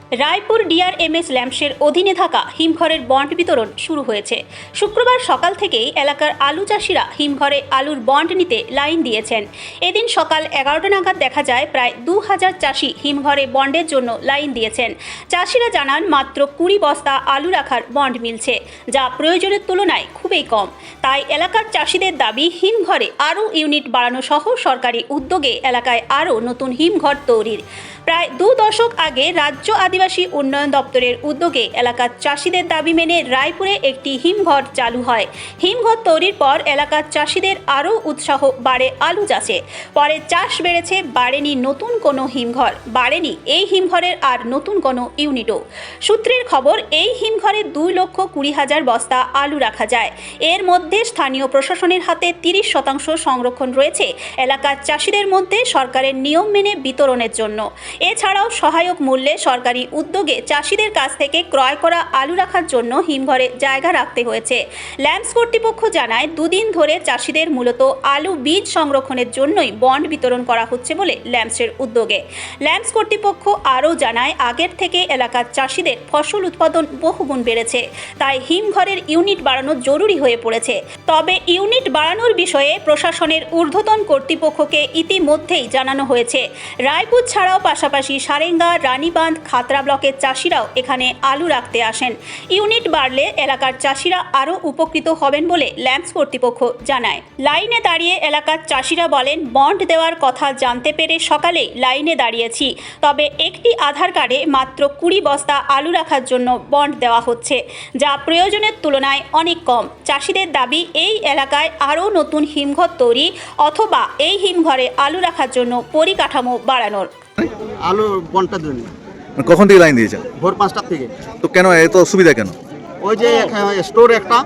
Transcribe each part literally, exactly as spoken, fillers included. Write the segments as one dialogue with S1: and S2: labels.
S1: রায়পুর ডিআরএমএস ল্যাম্পসের অধীনে থাকা হিমঘরের বন্ড বিতরণ শুরু হয়েছে। শুক্রবার সকাল থেকেই এলাকার আলু চাষিরা হিমঘরে আলুর বন্ড নিতে লাইন দিয়েছেন। এদিন সকাল এগারোটা নাগাদ দেখা যায় প্রায় দু হাজার চাষি হিমঘরে বন্ডের জন্য লাইন দিয়েছেন। চাষিরা জানান মাত্র কুড়ি বস্তা আলু রাখার বন্ড মিলছে, যা প্রয়োজনের তুলনায় খুবই কম। তাই এলাকার চাষিদের দাবি হিমঘরে আরও ইউনিট বাড়ানো সহ সরকারি উদ্যোগে এলাকায় আরও নতুন হিমঘর তৈরির। প্রায় দু দশক আগে রাজ্য আদিবাসী উন্নয়ন দপ্তরের উদ্যোগে এলাকার চাষিদের দাবি মেনে রায়পুরে একটি হিমঘর চালু হয়। হিমঘর তৈরির পর এলাকার চাষিদের আরও উৎসাহ বাড়ে আলু চাষে। পরে চাষ বেড়েছে, বাড়েনি নতুন কোনো হিমঘর, বাড়েনি এই হিমঘরের আর নতুন কোনো ইউনিটও। সূত্রের খবর, এই হিমঘরে দুই লক্ষ কুড়ি হাজার বস্তা আলু রাখা যায়। এর মধ্যে স্থানীয় প্রশাসনের হাতে তিরিশ শতাংশ সংরক্ষণ রয়েছে এলাকার চাষিদের মধ্যে সরকারের নিয়ম মেনে বিতরণের জন্য। এছাড়াও সহায়ক মূল্যে সরকারি উদ্যোগে চাষিদের কাছ থেকে ক্রয় করা আলু রাখার জন্য হিমঘরে জায়গা রাখতে হয়েছে। ল্যাম্পস কর্তৃপক্ষ জানায়, দুদিন ধরে চাষিদের মূলত আলু বীজ সংরক্ষণের জন্যই বন্ড বিতরণ করা হচ্ছে বলে ল্যাম্পসের উদ্যোগে। ল্যাম্পস কর্তৃপক্ষ আরও জানায়, আগের থেকে এলাকার চাষিদের ফসল উৎপাদন বহুগুণ বেড়েছে, তাই হিমঘরের ইউনিট বাড়ানো জরুরি হয়ে পড়েছে। তবে ইউনিট বাড়ানোর বিষয়ে প্রশাসনের ঊর্ধ্বতন কর্তৃপক্ষকে ইতিমধ্যেই জানানো হয়েছে। রায়পুর ছাড়াও পাশাপাশি সারেঙ্গা, রানীবাঁধ, খাতড়া ব্লকের চাষিরাও এখানে আলু রাখতে আসেন। ইউনিট বাড়লে এলাকার চাষিরা আরও উপকৃত হবেন বলে ল্যাম্পস কর্তৃপক্ষ জানায়। লাইনে দাঁড়িয়ে এলাকার চাষিরা বলেন, বন্ড দেওয়ার কথা জানতে পেরে সকালেই লাইনে দাঁড়িয়েছি, তবে একটি আধার কার্ডে মাত্র কুড়ি বস্তা আলু রাখার জন্য বন্ড দেওয়া হচ্ছে, যা প্রয়োজনের তুলনায় অনেক কম। চাষিদের দাবি, এই এলাকায় আরও নতুন হিমঘর তৈরি অথবা এই হিমঘরে আলু রাখার জন্য পরিকাঠামো বাড়ানোর।
S2: আলু বন্টনের জন্য
S3: কখন থেকে লাইন দিয়েছেন?
S2: ভোর পাঁচটার থেকে।
S3: তো কেন এত অসুবিধা কেন?
S2: ওই যে স্টোর একটা,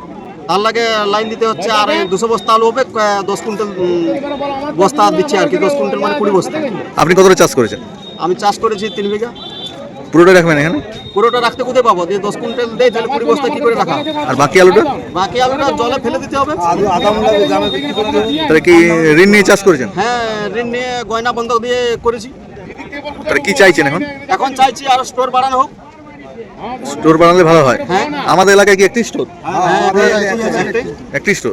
S2: তার লাগে লাইন দিতে হচ্ছে। আর দুশো বস্তা আলু হবে, দশ কুইন্টাল বস্তা দিচ্ছে আর কি, দশ কুইন্টাল মানে কুড়ি বস্তা।
S3: আপনি কতটা চাষ করেছেন?
S2: আমি চাষ করেছি তিন বিঘা।
S3: পুরোটা রাখবেন এখানে?
S2: পুরোটা রাখতে কোথায় পাবো? দিয়ে দশ কুইন্টাল দেয়, তাহলে কুড়ি বস্তা কি করে রাখা?
S3: আর বাকি আলুটা?
S2: বাকি আলুটা জলে ফেলে দিতে হবে।
S3: তাহলে কি ঋণ নিয়ে চাষ করেছেন?
S2: হ্যাঁ, ঋণ নিয়ে গয়না বন্ধক দিয়ে করেছি।
S3: তাহলে কি চাইছেন এখন?
S2: এখন চাইছি আর স্টোর বাড়ানো হোক।
S3: স্টোর বানালে ভালো হয়।
S2: হ্যাঁ,
S3: আমাদের এলাকায় কি একটি স্টোর? একটি স্টোর।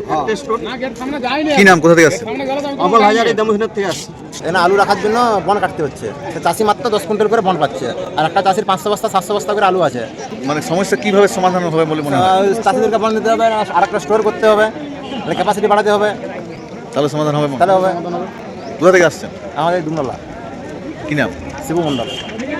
S3: কি নাম, কোথা থেকে আসছে?
S2: অবল হাজারি দেমুহিনের থেকে আসছে।
S4: এখানে আলু রাখার জন্য বন কাটতে হচ্ছে। চাষি মাত্র দশ কুইন্টাল করে বন পাচ্ছে, আর একটা চাষির পাঁচশো বস্তা সাতশো বস্তা করে আলু আছে।
S3: মানে সমস্যা কিভাবে সমাধান হবে বলে মনে হয়?
S4: চাষিদেরকে বন দিতে হবে, আর একটা স্টোর করতে হবে, ক্যাপাসিটি বাড়াতে হবে,
S3: তাহলে সমাধান হবে।
S4: তাহলে হবে।
S3: কোথা থেকে আসছেন?
S4: আমাদের ডুমলা।
S3: কি নাম?
S4: শিবু মন্ডল।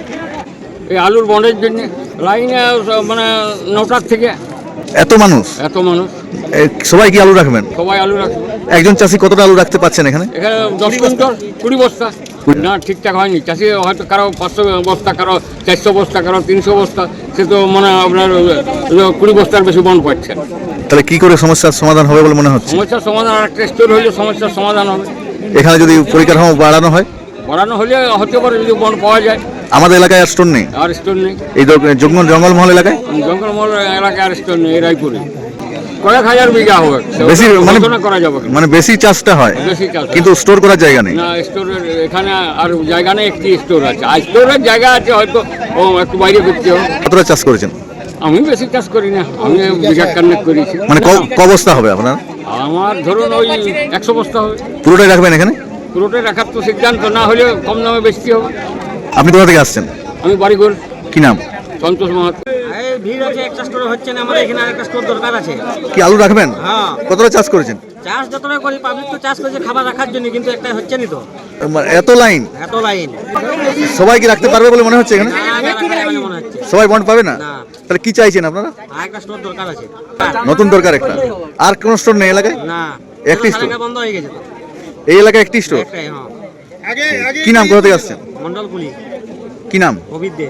S5: এই আলুর বন্ডের জন্য লাইনে মানে নটার থেকে
S3: এত মানুষ?
S5: এত মানুষ।
S3: এ, সবাই কি আলু রাখবেন?
S5: সবাই আলু রাখবে।
S3: একজন চাষি কতটা আলু রাখতে পারছেন এখানে?
S5: এখানে দশ কুইন্টাল কুড়ি বস্তা না, ঠিকঠাক হয়নি। চাষি হয়তো কারো পাঁচশো বস্তা, কারো চারশো বস্তা, কারো তিনশো বস্তা, সে তো মানে আপনার কুড়ি বস্তার বেশি বন্ড পাচ্ছে।
S3: তাহলে কি করে সমস্যার সমাধান হবে বলে মনে হচ্ছে?
S5: সমস্যার সমাধান আর একটা স্টোর হলে সমস্যার সমাধান হবে।
S3: এখানে যদি পরিকাঠামো বাড়ানো হয়?
S5: বাড়ানো হলে হতে পারে, যদি বন্ড পাওয়া যায়।
S3: আমাদের এলাকায় আর স্টোর নেই।
S5: আর স্টোর নেই।
S3: এই জঙ্গল জঙ্গলমহল এলাকায়
S5: জঙ্গলমহল এলাকায় আর স্টোর নেই। রায়পুরে কয়েক হাজার বিঘা হবে,
S3: বেশি মানে
S5: করা যাবে,
S3: মানে বেশি চাষটা হয়,
S5: বেশি চাষ,
S3: কিন্তু স্টোর করার জায়গা নেই।
S5: না, স্টোরের এখানে আর জায়গা নেই। একটি স্টোর আছে, আর স্টোরের জায়গা আছে, হয়তো ও একটু বাইরে করতে হবে।
S3: কতটা চাষ করেছেন?
S5: আমি বেশি চাষ করি না, আমি বিঘা কান্নেক করেছি।
S3: মানে ক বস্তা হবে আপনার?
S5: আমার ধরুন ওই একশো বস্তা হবে।
S3: পুরোটাই রাখবেন এখানে?
S5: পুরোটাই রাখার তো সিদ্ধান্ত, না হলে কম দামে বেচতে হবে।
S3: আপনি কোথা থেকে আসছেন?
S5: আমি বাড়িঘর।
S3: কি নাম?
S5: সন্তোষ মাহাতো।
S6: ভিড় আছে, একটা স্টোর হচ্ছে না, আমাদের এখানে আরেকটা স্টোর দরকার আছে।
S3: কি আলু রাখবেন?
S6: হ্যাঁ।
S3: কতটা চাষ করেছেন?
S6: চাষ যতটা করি, পাবলিক তো চাষ করছে খাবার রাখার জন্য, কিন্তু একটা হচ্ছে না তো।
S3: এত লাইন,
S6: এত লাইন।
S3: সবাই কি রাখতে পারবে বলে মনে হচ্ছে এখানে?
S6: না, না, রাখা যাবে না মনে হচ্ছে।
S3: সবাই বন্ড পাবে না?
S6: না।
S3: তাহলে কি চাইছেন আপনারা?
S6: আরেকটা স্টোর দরকার আছে।
S3: নতুন দরকার একটা। আর কোন স্টোর নেই এলাকায়?
S6: না,
S3: একটি স্টোর
S6: বন্ধ হয়ে গেছে তো।
S3: এই এলাকায় একটি স্টোর।
S6: একটাই, হ্যাঁ।
S3: কি নাম, কোথা থেকে আসছেন?
S6: মন্ডলকুলি।
S3: কি নাম?
S6: অভিদ দে।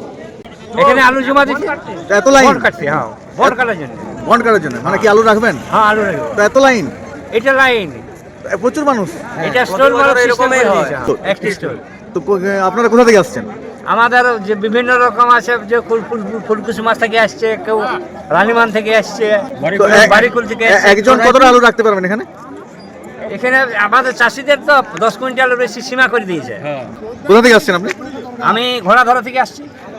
S7: এখানে আলু জমা দিচ্ছে,
S3: এত লাইন
S7: বন্ড কাটছে। হ্যাঁ, বন্ড কাটার জন্য।
S3: বন্ড কাটার জন্য মানে কি আলু রাখবেন?
S7: হ্যাঁ, আলু রাখবে।
S3: তো এত লাইন,
S7: এটা লাইন,
S3: প্রচুর মানুষ।
S7: এটা স্টোর মানে এরকমই হয়,
S3: তো-
S7: একটি স্টোর।
S3: তো কো- আপনারা কোথা থেকে আসছেন?
S7: আমাদের যে বিভিন্ন রকম আছে, যে ফুল ফুল ফুলকুসি মাছ থেকে আসছে, কেউ রানীমান থেকে আসছে,
S3: তো এক-
S7: বাড়িকুল থেকে
S3: এ-
S7: আসছে।
S3: একজন কতটা আলু রাখতে পারবেন এখানে?
S7: এখানে আমাদের চাষিদের তো দশ কুইন্টালের বেশি সীমা করে দিয়েছে।
S3: কোথা থেকে আসছেন আপনি?
S7: আমি ঘোড়াধরা থেকে আসছি।